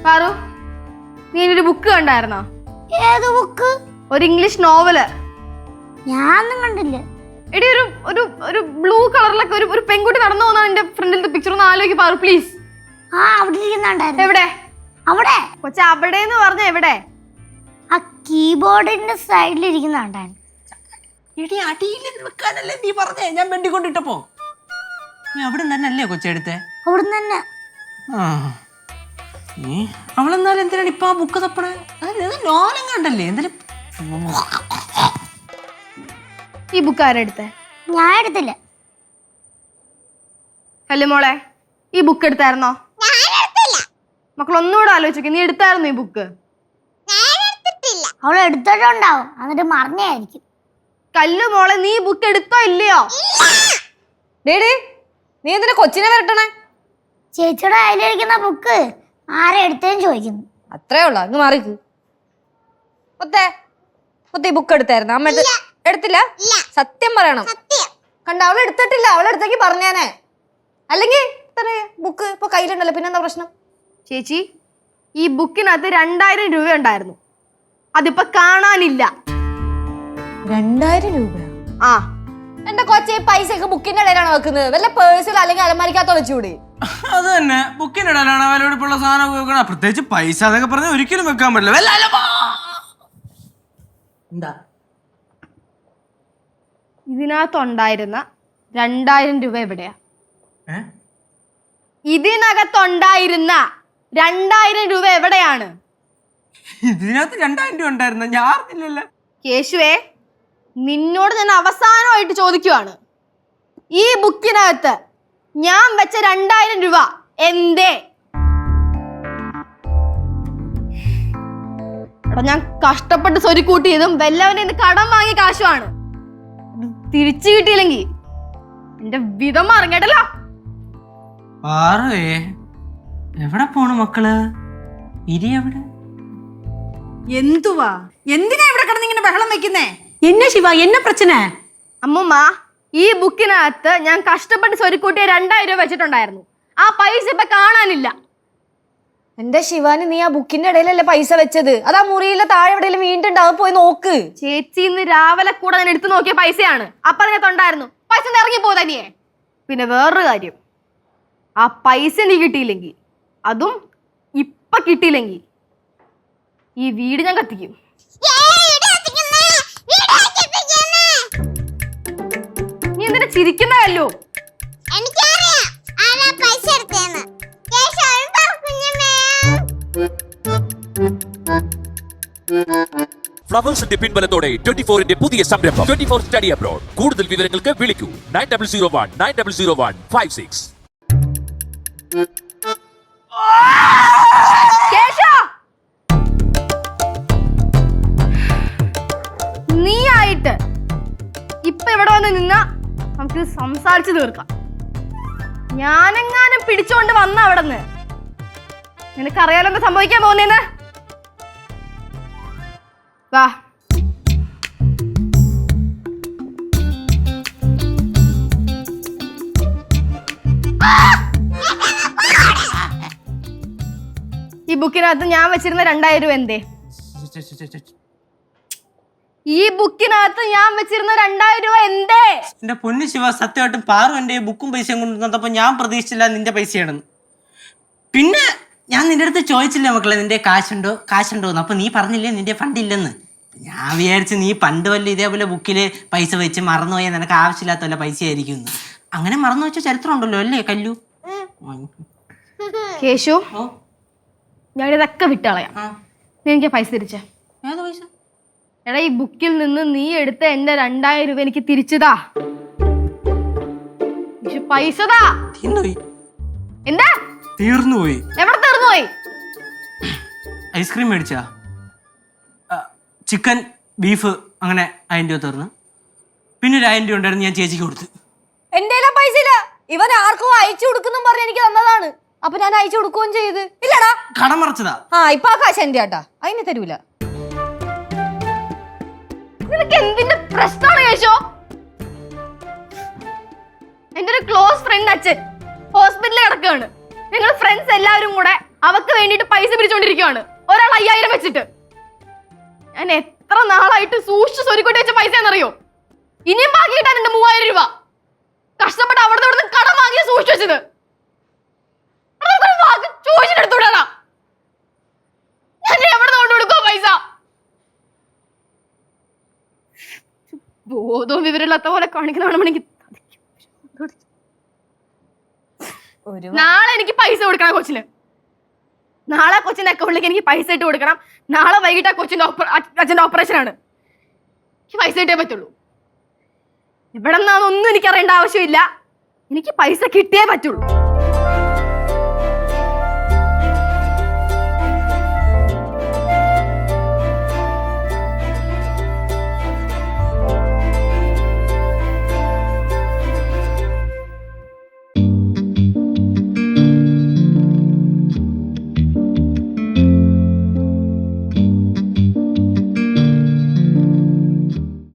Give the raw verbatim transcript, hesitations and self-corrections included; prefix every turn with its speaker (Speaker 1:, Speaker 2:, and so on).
Speaker 1: പാറു, നീ ഒരു ബുക്ക് കണ്ടായിരുന്നോ?
Speaker 2: ഏത് ബുക്ക്?
Speaker 1: ഒരു ഇംഗ്ലീഷ് നോവല്.
Speaker 2: ഞാനൊന്നും കണ്ടില്ല.
Speaker 1: എടി ഒരു ഒരു ഒരു ബ്ലൂ കളറിലൊക്കെ ഒരു ഒരു പെൺകുട്ടി നടന്നു പോകുന്ന എന്റെ ഫ്രണ്ടിലത്തെ പിക്ചർ ഒന്ന് ആലോചിക്ക് പാറു പ്ലീസ്.
Speaker 2: ആ അവിടെ ഇരിക്കുന്നുണ്ടായിരുന്നു.
Speaker 1: എവിടെ?
Speaker 2: അവിടെ.
Speaker 1: കൊച്ച അവിടെ എന്ന് പറഞ്ഞ എവിടെ?
Speaker 2: ആ കീബോർഡിന്റെ സൈഡിൽ ഇരിക്കുന്നുണ്ടായിരുന്നു.
Speaker 3: എടി അടിയിൽ വെക്കാനല്ലേ നീ പറഞ്ഞേ, ഞാൻ വെണ്ടി കൊണ്ടിട്ടപ്പോ. നീ അവിടെ തന്നെ അല്ലേ കൊച്ചെടുത്തെ?
Speaker 2: അവിടുന്ന് തന്നെ.
Speaker 3: ആ നീ അവളെന്നാലും എന്തിനാണ് ഇപ്പൊ ആ ബുക്ക് തപ്പണേ? നോവലും കണ്ടല്ലേ എന്തായാലും.
Speaker 1: ഈ ബുക്ക് ആരെടുത്തേ?
Speaker 2: ഞാൻ എടുത്തില്ല.
Speaker 1: അല്ലേ മോളെ, ഈ ബുക്ക് എടുത്തായിരുന്നോ? മക്കൾ ഒന്നുകൂടെ ആലോചിച്ചോക്കെ, നീ എടുത്തായിരുന്നു ഈ ബുക്ക്?
Speaker 2: അവൾ എടുത്തിട്ടുണ്ടാവും, എന്നിട്ട് മറന്നായിരിക്കും.
Speaker 1: കല്ലു മോളെ, നീ ബുക്ക് എടുത്തോ ഇല്ലയോ?
Speaker 4: ഡേഡി, നീ എന്തിനാ കൊച്ചിനെ വരട്ടണേ?
Speaker 2: ചേച്ചിയുടെ കയ്യിലിരിക്കുന്ന ബുക്ക് ആരെ എടുത്തേന്ന് ചോദിക്കുന്നു.
Speaker 4: അത്രേ ഉള്ളു, അങ്ങ് മാറിക്ക്. മുത്തേ, മുത്തേ ഈ ബുക്ക് എടുത്തായിരുന്നു? അമ്മ എടുത്തില്ല? സത്യം പറയണം. കണ്ട, അവൾ എടുത്തിട്ടില്ല. അവൾ എടുത്തേക്ക് പറഞ്ഞേനെ. അല്ലെങ്കിൽ ബുക്ക് ഇപ്പൊ കയ്യിലുണ്ടല്ലോ, പിന്നെന്താ പ്രശ്നം?
Speaker 1: ചേച്ചി, ഈ ബുക്കിനകത്ത് രണ്ടായിരം രൂപ ഉണ്ടായിരുന്നു, അതിപ്പോ കാണാനില്ല.
Speaker 4: രണ്ടായിരം രൂപ?
Speaker 1: ആ
Speaker 4: എന്റെ കൊച്ചെ, പൈസ ഒക്കെ ബുക്കിന്റെ ഇടയിലാണ് വെക്കുന്നത്. വല്ല പേഴ്സിൽ അല്ലെങ്കിൽ അലമാരിക്കകത്തോ വെച്ചുകൂടി?
Speaker 3: അത് തന്നെ, ബുക്കിന്റെ ഇടയിലാണ് വിലപിടിപ്പുള്ള സാധനം വെക്കണം. പ്രത്യേകിച്ച് പൈസ അതൊക്കെ പറഞ്ഞാൽ ഒരിക്കലും വെക്കാൻ പറ്റില്ല. എന്താ
Speaker 1: ഇതിനകത്തുണ്ടായിരുന്ന രണ്ടായിരം രൂപ എവിടെയാ? ഇതിനകത്തുണ്ടായിരുന്ന രണ്ടായിരം രൂപ എവിടെയാണ്?
Speaker 3: ഇതിനകത്ത് രണ്ടായിരം രൂപ ഉണ്ടായിരുന്ന ഞാൻ അറിഞ്ഞില്ലല്ലോ.
Speaker 1: കേശുവേ, നിന്നോട് ഞാൻ അവസാനമായിട്ട് ചോദിക്കുവാണ്, ഈ ബുക്കിനകത്ത് ഞാൻ വെച്ച രണ്ടായിരം രൂപ എന്തേ? എടാ, ഞാൻ കഷ്ടപ്പെട്ട് സ്വരി കൂട്ടിയതും വല്ലവനെ കടം വാങ്ങിയ കാശുമാണ്. തിരിച്ചു കിട്ടിയില്ലെങ്കി എന്റെ വിധം അറിഞ്ഞിട്ടല്ലോ.
Speaker 3: എവിടെ പോണു മക്കള്? ഇരി എവിടെ?
Speaker 5: എന്തുവാ, എന്തിനാ ഇവിടെ കിടന്നിങ്ങനെ ബഹളം വെക്കുന്നേ? എന്നെ ശിവ, എന്നെ പ്രശ്ന?
Speaker 1: അമ്മുമ്മ, ഈ ബുക്കിനകത്ത് ഞാൻ കഷ്ടപ്പെട്ട് സ്വരുക്കൂട്ടിയ രണ്ടായിരം രൂപ വെച്ചിട്ടുണ്ടായിരുന്നു. ആ പൈസ ഇപ്പൊ കാണാനില്ല.
Speaker 4: എന്റെ ശിവാനി, നീ ആ ബുക്കിന്റെ ഇടയിലല്ലേ പൈസ വെച്ചത്? അതാ മുറിയിലെ താഴെ എവിടെയെങ്കിലും വീണ്ടുണ്ടാവും, പോയി നോക്ക്.
Speaker 1: ചേച്ചി, ഇന്ന് രാവിലെ കൂടെ ഞാൻ എടുത്തു നോക്കിയ പൈസയാണ്. അപ്പൊ അതിനകത്തുണ്ടായിരുന്നു. പൈസ ഇറങ്ങിപ്പോ തനിയെ. പിന്നെ വേറൊരു കാര്യം, ആ പൈസ നീ കിട്ടിയില്ലെങ്കിൽ, അതും ഇപ്പൊ കിട്ടിയില്ലെങ്കിൽ, ഈ വീട് ഞാൻ കത്തിക്കും. നീ എന്തിനാ ചിരിക്കുന്ന കല്ലു?
Speaker 6: ഫ്ലവേഴ്സിന്റെ പിൻബലത്തോടെ ട്വന്റി ഫോറിന്റെ പുതിയ സംരംഭം ട്വന്റി ഫോർ സ്റ്റഡി അബ്രോഡ്. കൂടുതൽ വിവരങ്ങൾക്ക് വിളിക്കൂ nine double zero one nine double zero one five six.
Speaker 1: നീ ആയിട്ട് ഇപ്പൊ ഇവിടെ വന്ന് നിന്നാ നമുക്ക് സംസാരിച്ചു തീർക്കാം. ഞാനെങ്ങാനും പിടിച്ചോണ്ട് വന്ന അവിടെന്ന് നിനക്കറിയാലോ എന്താ സംഭവിക്കാൻ പോകുന്നേന്ന്. വാ. ഈ ബുക്കിനകത്ത് ഞാൻ വെച്ചിരുന്ന രണ്ടായിരം രൂപ എന്തേ? ഈ ബുക്കിനകത്ത് ഞാൻ വെച്ചിരുന്ന രണ്ടായിരം രൂപ എന്തേ?
Speaker 3: എന്റെ പൊന്നു ശിവ, സത്യമായിട്ടും പാറു എന്റെ ബുക്കും പൈസയും കൊണ്ടുവന്നപ്പോ ഞാൻ പ്രതീക്ഷിച്ചില്ല നിന്റെ പൈസയാണെന്ന്. പിന്നെ ഞാൻ നിന്റെ അടുത്ത് ചോദിച്ചില്ല മക്കളെ, നിന്റെ കാശുണ്ടോ കാശുണ്ടോ എന്ന്. അപ്പൊ നീ പറഞ്ഞില്ലേ നിന്റെ ഫണ്ട് ഇല്ലെന്ന്. ഞാൻ വിചാരിച്ച് നീ പണ്ട് വല്ല ഇതേപോലെ ബുക്കില് പൈസ വെച്ച് മറന്നുപോയാൽ നിനക്ക് ആവശ്യമില്ലാത്ത വല്ല പൈസ ആയിരിക്കും. അങ്ങനെ മറന്നു വെച്ച ചരിത്രം ഉണ്ടല്ലോ അല്ലേ കല്ലു?
Speaker 1: കേശു, ഞാനിതൊക്കെ വിട്ടളയാം. നീ എനിക്ക് പൈസ തിരിച്ചേ.
Speaker 3: ഏത് പൈസ?
Speaker 1: എടാ, ഈ ബുക്കിൽ നിന്ന് നീ എടുത്ത എന്റെ രണ്ടായിരം രൂപ എനിക്ക് തിരിച്ചതാ. പൈസതാ. എന്താ
Speaker 3: തീർന്നുപോയി?
Speaker 1: എവിടെ തീർന്നുപോയി?
Speaker 3: ഐസ്ക്രീം മേടിച്ചാ? ചിക്കൻ ബീഫ് അങ്ങനെ ആയിരം രൂപ തീർന്നു. പിന്നെ ഒരു ആയിരം രൂപ ഉണ്ടായിരുന്നു, ഞാൻ ചേച്ചിക്ക് കൊടുത്തു.
Speaker 4: എന്റെ പൈസ ഇല്ല. ഇവൻ ആർക്കും അയച്ചു കൊടുക്കുന്നു പറഞ്ഞ് എനിക്ക് തന്നതാണ്. അപ്പൊ ഞാൻ അയച്ചു കൊടുക്കുകയും ചെയ്ത്. ഇല്ലടാ,
Speaker 3: കടം മറച്ചതാ.
Speaker 4: ആ ഇപ്പൊ ആ കാശ് എന്റെ ആട്ടാ, അതിന് തരൂല.
Speaker 1: നിനക്ക് എന്തിന്റെ പ്രശ്നമാണ് കേശോ? എന്റെ ഒരു ക്ലോസ് ഫ്രണ്ട് അച്ഛൻ ഹോസ്പിറ്റലിൽ കിടക്കുകയാണ്. ഞങ്ങൾ ഫ്രണ്ട്സ് എല്ലാവരും കൂടെ അവക്ക് വേണ്ടിയിട്ട് പൈസ പിരിച്ചോണ്ടിരിക്കുവാണ്, ഒരാൾ അയ്യായിരം വെച്ചിട്ട്. ഞാൻ എത്ര നാളായിട്ട് സൂക്ഷിച്ച് സ്വരുക്കൂട്ടി വെച്ച പൈസ എന്നറിയോ? ഇനിയും ബാക്കി കിട്ടാനുണ്ട് മൂവായിരം രൂപ. കഷ്ടപ്പെട്ട് അവിടുന്ന് ഇവിടുന്ന് കടം വാങ്ങിയ സൂക്ഷിച്ചു വെച്ചത്. ചോദിച്ചിട്ടെടുത്തൂടാ. ഞാൻ എവിടെ കൊണ്ട് കൊടുക്കോ പൈസ? ബോധവും വിവരമില്ലാത്ത പോലെ കാണിക്കുന്നതാണെങ്കിൽ നാളെ എനിക്ക് പൈസ കൊടുക്കണം കൊച്ചിന്. നാളെ കൊച്ചിന്റെ അക്കൗണ്ടിലേക്ക് എനിക്ക് പൈസ ഇട്ട് കൊടുക്കണം. നാളെ വൈകിട്ട് ആ കൊച്ചിന്റെ അച്ഛന്റെ ഓപ്പറേഷൻ ആണ്. എനിക്ക് പൈസ ഇട്ടേ പറ്റുള്ളൂ. ഇവിടെ നിന്നൊന്നും എനിക്ക് അറിയേണ്ട ആവശ്യമില്ല. എനിക്ക് പൈസ കിട്ടിയേ പറ്റുള്ളൂ.